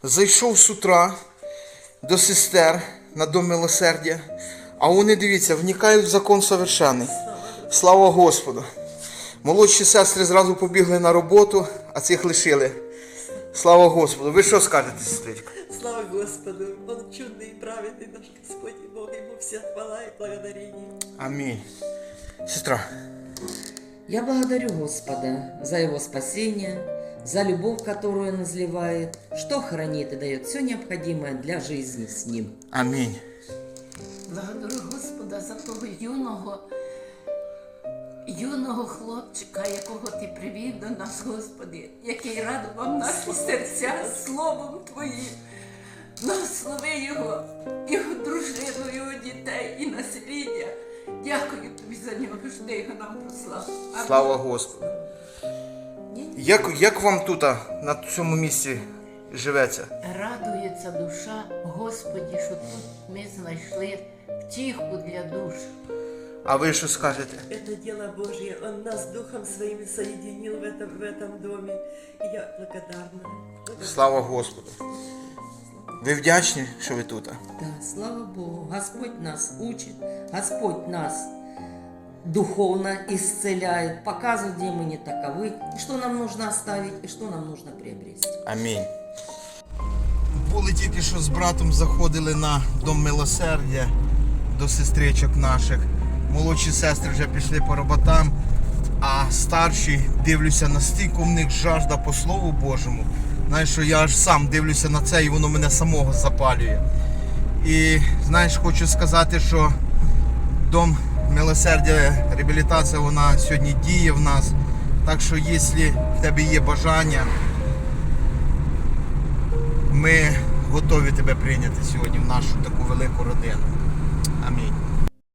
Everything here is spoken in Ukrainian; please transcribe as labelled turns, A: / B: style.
A: Зайшов з утра до сестер на Дом Милосердя, а вони, дивіться, вникають в закон совершенний. Слава Господу! Молодші сестри зразу побігли на роботу, а цих лишили. Слава Господу! Ви що скажете, сестричка?
B: Слава Господу! Он чудный и праведный наш Господь и Бог, Ему вся хвала и благодарение.
A: Амінь. Сестра.
C: Я благодарю Господа за Его спасение, за любовь, которую Он изливает, что хранит и дает все необходимое для жизни с Ним.
A: Амінь.
D: Благодарю Господа за того юного хлопчика, якого Ти привів до нас, Господи, який радував наші серця словом Твоїм. Благослови його дружину, його дітей і насліддя. Дякую Тобі за нього, що Ти його нам послав. Амінь.
A: Слава Господу! Як вам тут, на цьому місці, живеться?
D: Радується душа, Господі, що тут ми знайшли втіху для душ.
A: А ви що скажете?
B: Это дело Божье. Он нас Духом Своим соединил в этом доме. И я благодарна.
A: Слава Господу! Ви вдячні, що ви тут?
C: Да, слава Богу, Господь нас учит, Господь нас духовно исцеляет, показывает, где мы не таковы, и что нам нужно оставить, и что нам нужно приобрести.
A: Амінь. Були тільки що з братом заходили на Дом Милосердя до сестричок наших. Молодші сестри вже пішли по роботам, а старші, дивлюся, настільки в них жажда по Слову Божому. Знаєш, що я аж сам дивлюся на це і воно мене самого запалює. І знаєш, хочу сказати, що Дом Милосердя, реабілітація, вона сьогодні діє в нас. Так що, якщо в тебе є бажання, ми готові тебе прийняти сьогодні в нашу таку велику родину.